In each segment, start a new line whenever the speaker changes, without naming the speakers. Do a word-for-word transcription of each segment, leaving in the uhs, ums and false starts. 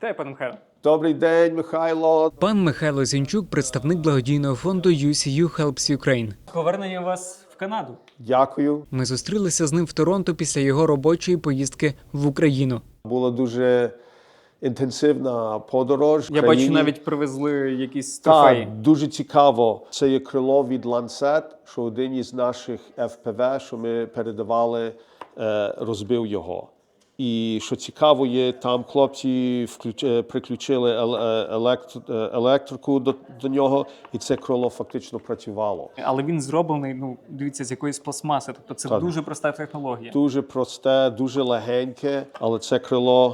Вітаю, пане Михайло.
Добрий день, Михайло.
Пан Михайло Зінчук – представник благодійного фонду ю сі ю Helps Ukraine.
Повернення вас в Канаду.
Дякую.
Ми зустрілися з ним в Торонто після його робочої поїздки в Україну.
Була дуже інтенсивна подорож. в
Я
країні.
бачу, навіть привезли якісь трофеї.
Так, дуже цікаво. Це є крило від Lancet, що один із наших еф пі ве, що ми передавали, розбив його. І що цікаво є, там хлопці включ... приключили електр... електрику до... до нього, і це крило фактично працювало.
Але він зроблений, ну, дивіться, з якоїсь пластмаси. Тобто це
Так.
дуже проста технологія.
Дуже просте, дуже легеньке, але це крило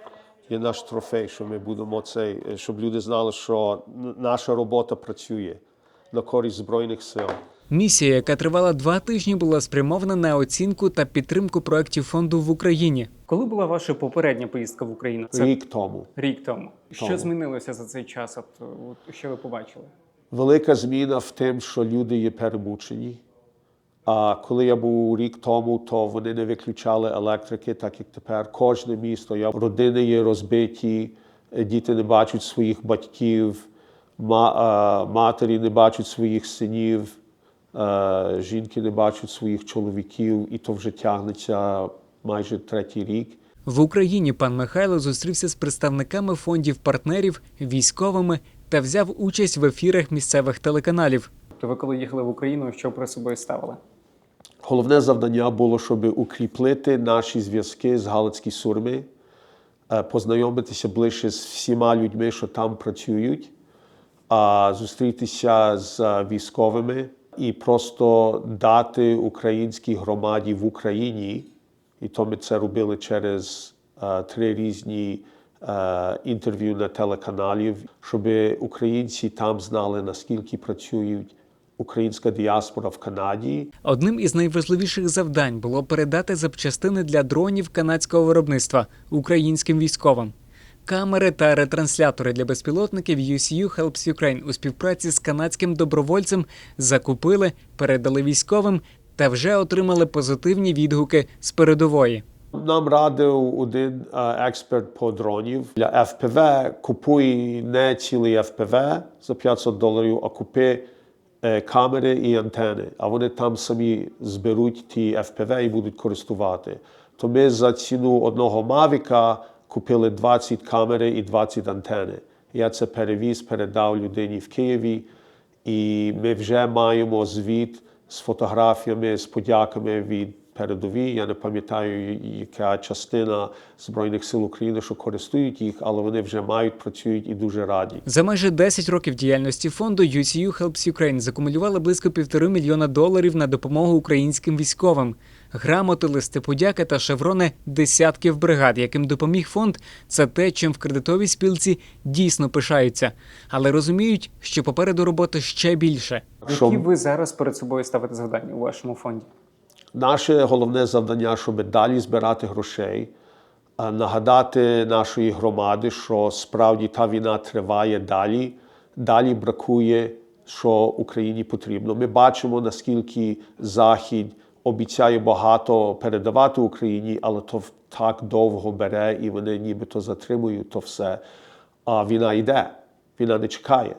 є наш трофей, що ми будемо цей, щоб люди знали, що наша робота працює на користь Збройних сил.
Місія, яка тривала два тижні, була спрямована на оцінку та підтримку проєктів фонду в Україні.
Коли була ваша попередня поїздка в Україну? Це
Рік тому.
рік тому. Що
Тому.
змінилося за цей час? От, от, що ви побачили?
Велика зміна в тим, що люди є перемучені. А коли я був рік тому, то вони не виключали електрики, так як тепер. Кожне місто, я- родини є розбиті, діти не бачать своїх батьків, ма- а, матері не бачать своїх синів, е, жінки не бачать своїх чоловіків, і то вже тягнеться майже третій рік.
В Україні пан Михайло зустрівся з представниками фондів-партнерів, військовими та взяв участь в ефірах місцевих телеканалів.
То ви коли їхали в Україну, що при собою ставили?
Головне завдання було, щоб укріплити наші зв'язки з Галицькі Сурми, е, познайомитися ближче з всіма людьми, що там працюють, а зустрітися з е, військовими і просто дати українській громаді в Україні, і то ми це робили через е, три різні е, інтерв'ю на телеканалів, щоб українці там знали, наскільки працюють українська діаспора в Канаді.
Одним із найважливіших завдань було передати запчастини для дронів канадського виробництва українським військовим. Камери та ретранслятори для безпілотників ю сі ю Helps Ukraine у співпраці з канадським добровольцем закупили, передали військовим та вже отримали позитивні відгуки з передової.
Нам радив один е, експерт по дронів. Для еф пі ве купуй не цілий еф пі ве за п'ятсот доларів, а купи е, камери і антени. А вони там самі зберуть ті еф пі ве і будуть користувати. То ми за ціну одного Мавіка купили двадцять камери і двадцять антени. Я це перевіз, передав людині в Києві. І ми вже маємо звіт з фотографіями, з подяками від передовій. Я не пам'ятаю, яка частина Збройних сил України, що користують їх, але вони вже мають, працюють і дуже раді.
За майже десять років діяльності фонду ю сі ю Helps Ukraine закумулювали близько півтори мільйона доларів на допомогу українським військовим. Грамоти, листи подяки та шеврони десятків бригад, яким допоміг фонд, це те, чим в кредитовій спілці дійсно пишаються. Але розуміють, що попереду роботи ще більше.
Що-
Які ви зараз перед собою ставите завдання у вашому фонді?
Наше головне завдання, щоб далі збирати грошей, а нагадати нашої громади, що справді та війна триває далі, далі бракує, що Україні потрібно. Ми бачимо, наскільки Захід обіцяє багато передавати Україні, але то так довго бере, і вони нібито затримують то все. А війна йде, війна не чекає.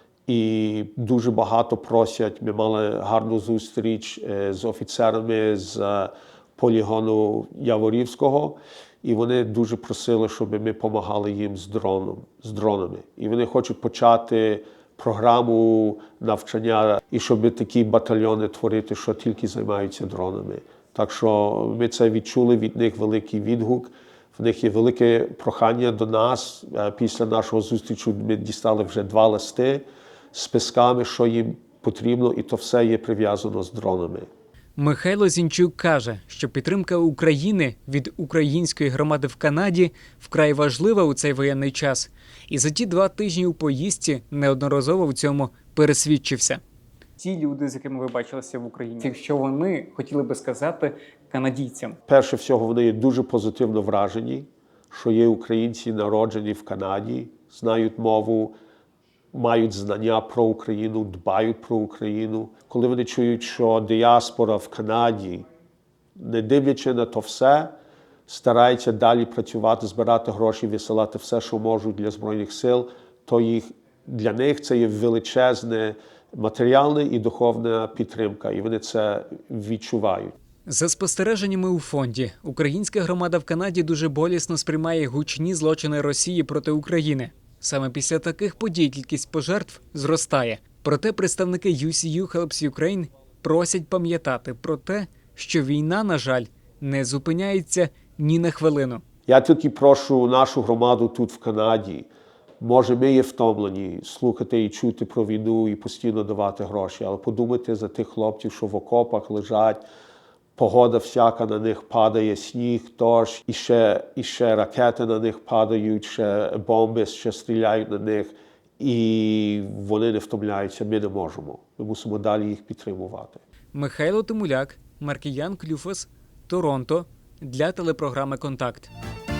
І дуже багато просять. Ми мали гарну зустріч е, з офіцерами з е, полігону Яворівського, і вони дуже просили, щоб ми допомагали їм з дроном, з дронами. І вони хочуть почати програму навчання, і щоб такі батальйони творити, що тільки займаються дронами. Так що ми це відчули від них великий відгук. В них є велике прохання до нас. Е, Після нашого зустрічі ми дістали вже два листи з списками, що їм потрібно, і то все є прив'язано з дронами.
Михайло Зінчук каже, що підтримка України від української громади в Канаді вкрай важлива у цей воєнний час. І за ті два тижні у поїздці неодноразово в цьому пересвідчився.
Ті люди, з якими ви бачилися в Україні, якщо вони хотіли би сказати канадійцям,
Перше всього, вони є дуже позитивно вражені, що є українці, народжені в Канаді, знають мову, мають знання про Україну, дбають про Україну. Коли вони чують, що діаспора в Канаді, не дивлячи на то все, стараються далі працювати, збирати гроші, висилати все, що можуть для Збройних сил, то їх, для них це є величезна матеріальна і духовна підтримка, і вони це відчувають.
За спостереженнями у фонді, українська громада в Канаді дуже болісно сприймає гучні злочини Росії проти України. Саме після таких подій кількість пожертв зростає. Проте представники ю сі ю Helps Ukraine просять пам'ятати про те, що війна, на жаль, не зупиняється ні на хвилину.
Я тільки прошу нашу громаду тут в Канаді, може ми є втомлені слухати і чути про війну і постійно давати гроші, але подумайте за тих хлопців, що в окопах лежать, погода всяка на них падає, сніг, дощ, і ще, і ще ракети на них падають, ще бомби, ще стріляють на них, і вони не втомляються, ми не можемо. Ми мусимо далі їх підтримувати.
Михайло Тимуляк, Маркіян Клюфас, Торонто, для телепрограми «Контакт».